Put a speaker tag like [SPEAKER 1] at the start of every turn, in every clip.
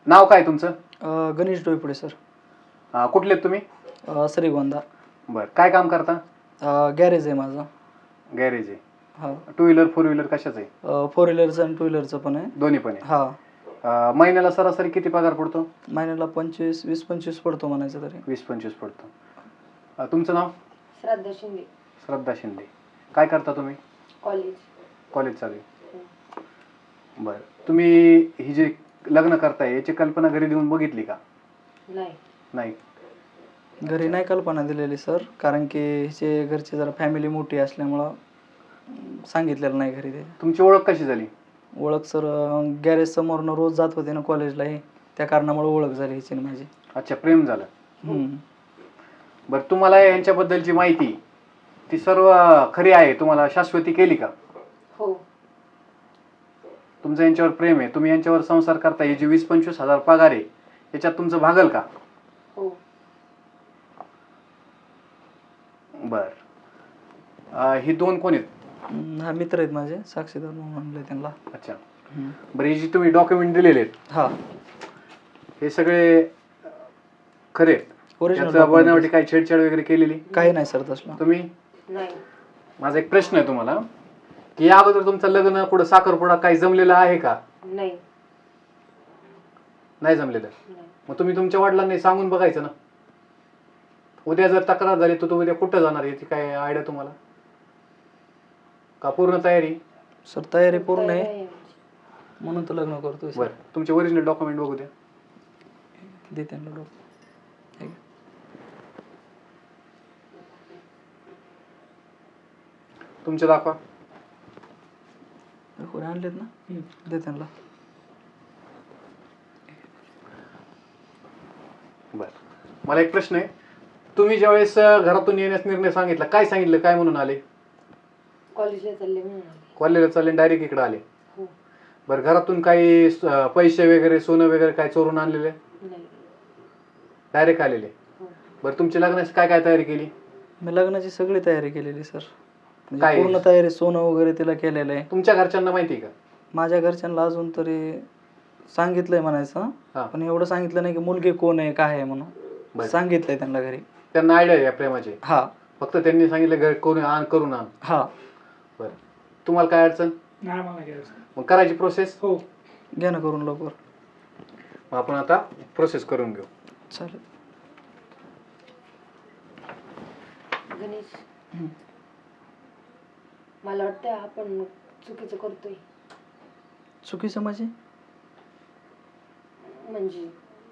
[SPEAKER 1] नाव काय तुमचं?
[SPEAKER 2] गणेश डोईपुडे सर.
[SPEAKER 1] कुठले तुम्ही?
[SPEAKER 2] श्रीगोंदा.
[SPEAKER 1] बरं, काय काम करता?
[SPEAKER 2] गॅरेज आहे माझं.
[SPEAKER 1] गॅरेज आहे.
[SPEAKER 2] हां.
[SPEAKER 1] टू व्हीलर फोर व्हीलर कशाचं आहे?
[SPEAKER 2] 4 व्हीलरचं आणि 2 व्हीलरचं पण आहे.
[SPEAKER 1] दोन्ही पण आहे.
[SPEAKER 2] हां.
[SPEAKER 1] महिन्याला सरासरी किती पगार पडतो?
[SPEAKER 2] महिन्याला 20-25 पडतो म्हणायचं तरी.
[SPEAKER 1] 20-25 पडतो. तुमचं नाव?
[SPEAKER 3] श्रद्धा शिंदे.
[SPEAKER 1] श्रद्धा शिंदे. काय करता तुम्ही?
[SPEAKER 3] कॉलेज.
[SPEAKER 1] कॉलेज चालू आहे. बरं, तुम्ही ही जे लग्न करताय याची कल्पना घरी देऊन बघितली का? नाही.
[SPEAKER 2] घरी नाही कल्पना दिलेली सर, कारण की हिचे घरचे जरा फॅमिली मोठी असल्यामुळं सांगितलेलं नाही घरी. ते
[SPEAKER 1] तुमची ओळख कशी झाली?
[SPEAKER 2] ओळख सर, गॅरेज समोरनं रोज जात होते ना कॉलेजलाही, त्या कारणामुळे ओळख झाली हिची माझी.
[SPEAKER 1] अच्छा, प्रेम झालं. बरं, तुम्हाला यांच्याबद्दलची माहिती ती सर्व खरी आहे, तुम्हाला शाश्वती केली का?
[SPEAKER 3] हो.
[SPEAKER 1] तुमचं यांच्यावर प्रेम आहे, तुम्ही यांच्यावर संसार करता, हे जे 20-25 हजार पगार आहे याच्यात तुमचं भागल का?
[SPEAKER 3] हो.
[SPEAKER 1] बर, हे दोन कोण आहेत?
[SPEAKER 2] हा मित्र आहेत माझे, साक्षीदार म्हणून म्हणले त्यांना.
[SPEAKER 1] अच्छा. बरं, हे जे तुम्ही डॉक्युमेंट दिलेले आहेत
[SPEAKER 2] हा,
[SPEAKER 1] हे सगळे खरे आहेत?
[SPEAKER 2] ओरिजिनल
[SPEAKER 1] बनावटी काही छेडछाड वगैरे केलेली
[SPEAKER 2] काही नाही सर तसलं.
[SPEAKER 1] तुम्ही?
[SPEAKER 3] नाही.
[SPEAKER 1] माझा एक प्रश्न आहे तुम्हाला, की या अगोदर तुमचं लग्न कुठं साखरपुडा काही जमलेलं आहे का?
[SPEAKER 3] नाही.
[SPEAKER 1] नाही जमलेलं. मग तुम्ही तुमच्या वडिलांनी सांगून बघायचं ना. उद्या जर तक्रार झाली तर उद्या कुठं जाणार याची काय आयडिया तुम्हाला? का पूर्ण तयारी?
[SPEAKER 2] सर तयारी पूर्ण आहे, म्हणून तर लग्न करतोय.
[SPEAKER 1] बरं, तुमचे ओरिजिनल डॉक्युमेंट बघू द्या.
[SPEAKER 2] दे त्यांना डॉक्युमेंट.
[SPEAKER 1] तुमचे दाखवा.
[SPEAKER 2] कोणी आणलेत ना, दे त्यांना.
[SPEAKER 1] बरं, मला एक प्रश्न आहे, तुम्ही ज्यावेळेस घरातून येण्यास निर्णय सांगितला, काय सांगितलं, काय म्हणून आले?
[SPEAKER 3] कॉलेजला चालले म्हणून आले.
[SPEAKER 1] कॉलेजला चालले डायरेक्ट इकडे आले?
[SPEAKER 3] हो.
[SPEAKER 1] बरं, घरातून काही पैसे वगैरे सोनं वगैरे काय चोरून आणलेले?
[SPEAKER 3] नाही.
[SPEAKER 1] डायरेक्ट आलेले?
[SPEAKER 3] हो.
[SPEAKER 1] बरं, तुमच्या लग्नाची काय काय तयारी केली?
[SPEAKER 2] मी लग्नाची सगळी तयारी केलेली सर,
[SPEAKER 1] काय?
[SPEAKER 2] पूर्ण तयारी, सोनं वगैरे तिला केलेलं आहे.
[SPEAKER 1] तुमच्या घरच्यांना माहिती आहे का?
[SPEAKER 2] माझ्या घरच्यांना अजून तरी सांगितलंय म्हणायचं, पण एवढं सांगितलं नाही की मुलगी कोण आहे काय आहे म्हणून. सांगितलंय त्यांना घरी.
[SPEAKER 1] त्यांना आयडिया आहे या प्रेमाची?
[SPEAKER 2] हा.
[SPEAKER 1] फक्त त्यांनी सांगितलं घर कोणी आण, करून आण.
[SPEAKER 2] हा.
[SPEAKER 1] बरं, तुम्हाला काय अडचण?
[SPEAKER 4] नाही, मला घ्यायचं.
[SPEAKER 1] मग करायची प्रोसेस?
[SPEAKER 4] हो.
[SPEAKER 2] घ्या ना करून लवकर.
[SPEAKER 1] मग आपण आता प्रोसेस करून घेऊ.
[SPEAKER 2] चालेल.
[SPEAKER 3] गणेश, मला वाटतं आपण चुकीचं करतोय.
[SPEAKER 2] चुकीचं म्हणजे?
[SPEAKER 3] म्हणजे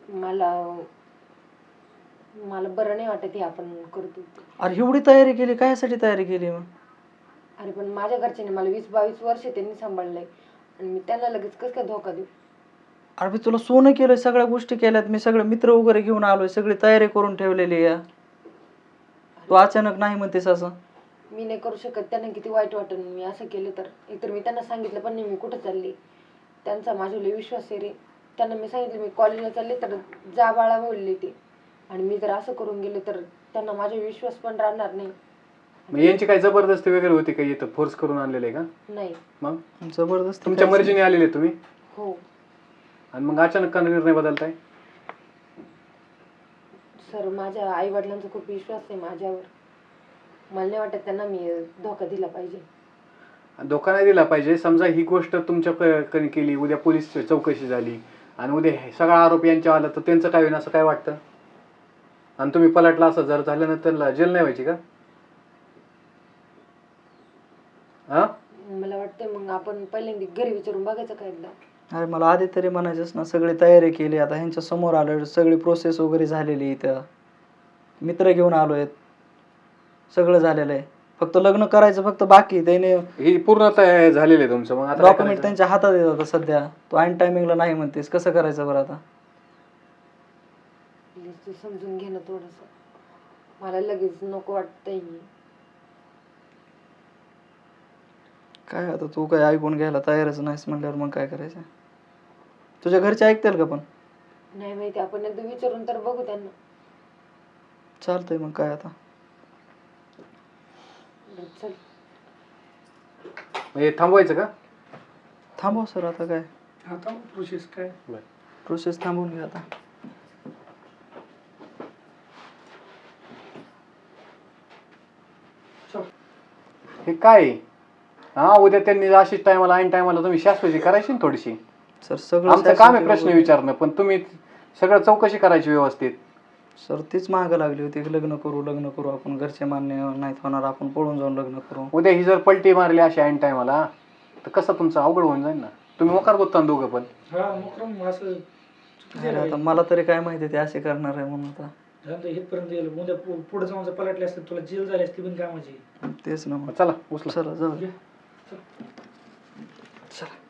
[SPEAKER 3] मला बरं नाही वाटत हे आपण करतोय.
[SPEAKER 2] अरे एवढी तयारी केली, कायसाठी तयारी केली मग?
[SPEAKER 3] अरे पण माझ्या घरच्यांनी मला 20-22 वर्ष त्यांनी सांभाळलंय आणि मी त्यांना लगेच कसं काय धोका देऊ?
[SPEAKER 2] अरे मी तुला सोनं केलंय, सगळ्या गोष्टी केल्यात मी, सगळे मित्र वगैरे घेऊन आलोय, सगळी तयारी करून ठेवलेली आहे. तू अचानक नाही म्हणतेस असं?
[SPEAKER 3] मी नाही करू शकत. त्यांना किती वाईट वाटेल मी असं केलं तर. एकतर मी त्यांना सांगितलं पण नाही मी कुठं चालली. त्यांचा माझ्यावर लय विश्वास आहे रे. त्यांना मी सांगितलं मी कॉलेजला चालले तर जा बाळा बोलले ते, आणि मी जर असं करून गेले तर त्यांना माझा विश्वास पण राहणार नाही.
[SPEAKER 1] मग यांची काही जबरदस्ती वगैरे होती का? इथं फोर्स करून आणलेलं आहे का?
[SPEAKER 3] नाही.
[SPEAKER 1] मग
[SPEAKER 2] जबरदस्त
[SPEAKER 1] तुमच्या मर्जीने आलेले तुम्ही?
[SPEAKER 3] हो.
[SPEAKER 1] आणि मग अचानक का निर्णय बदलताय?
[SPEAKER 3] सर, माझ्या आई वडिलांचा खूप विश्वास आहे माझ्यावर. मला नाही वाटत त्यांना मी धोका दिला पाहिजे.
[SPEAKER 1] धोका नाही दिला पाहिजे. समजा ही गोष्ट तुमच्याकडे केली, उद्या पोलीस चौकशी झाली आणि उद्या सगळा आरोप यांच्या आला तर त्यांचं काय होईल असं काय वाटतं? आणि तुम्ही पलटला असं जर झाल्यानंतर जेल नाही व्हायची का? हा,
[SPEAKER 3] मला वाटतं मग आपण पहिल्यांदा घरी विचारून बघायचं काय एकदा.
[SPEAKER 2] अरे मला आधी तरी म्हणायचंच ना, सगळी तयारी केली, आता ह्यांच्या समोर आलोय, सगळी प्रोसेस वगैरे झालेली, इथं मित्र घेऊन आलोय, सगळं झालेलं आहे, फक्त लग्न करायचं फक्त बाकी. त्याने
[SPEAKER 1] ही पूर्ण तयार झालेलं आहे तुमचं. मग आता
[SPEAKER 2] डॉक्युमेंट त्यांच्या हातात येत आता सध्या. तू ऐन टायमिंगला नाही म्हणतेस, कसं करायचं बरं आता?
[SPEAKER 3] प्लीज तू समजून घे ना थोडंसं. मला लगेच नको वाटतंय.
[SPEAKER 2] काय आता तू काय ऐकून घ्यायला तयारच नाहीस म्हणल्यावर मग काय करायचं? तुझ्या घरचे ऐकतील का? पण
[SPEAKER 3] नाही माहिती, आपण एकदा विचारून तर बघू त्यांना.
[SPEAKER 2] चालतंय मग काय आता.
[SPEAKER 3] चल.
[SPEAKER 1] हे थांबवायचं का?
[SPEAKER 2] थांबव सर, आता काय.
[SPEAKER 4] आता प्रोसेस काय?
[SPEAKER 2] प्रोसेस थांबवून घ्या आता.
[SPEAKER 1] हे काय आहे? हा उद्या त्यांनी अशीच टायमाला ऐन टायमाला तुम्ही शाश्वती करायची ना थोडीशी.
[SPEAKER 2] सर सगळं
[SPEAKER 1] आमचं काम आहे प्रश्न
[SPEAKER 2] वगैरे-
[SPEAKER 1] विचारणं, पण तुम्ही सगळं चौकशी करायची व्यवस्थित.
[SPEAKER 2] सर तीच मागं लागली होती की लग्न करू आपण, घरचे मान्य नाहीत होणार, आपण पळून जाऊन लग्न करू.
[SPEAKER 1] उद्या ही जर पलटी मारली अशी ऐन टायमाला तर कसं तुमचं अवघड होऊन जाईल ना. तुम्ही मोकार बोलता ना दोघं पण.
[SPEAKER 4] हा मुक्रम असं
[SPEAKER 2] अरे आता मला तरी काय माहिती ते असे करणार आहे म्हणून. आता
[SPEAKER 4] झालं इथपर्यंत गेलं, उद्या पुढे जाऊन जर पलटले असते तुला जेल झाली असती पण कामाची.
[SPEAKER 2] तेच ना मग.
[SPEAKER 1] चला उचला.
[SPEAKER 2] चला जाऊ.
[SPEAKER 4] घे.
[SPEAKER 2] चला.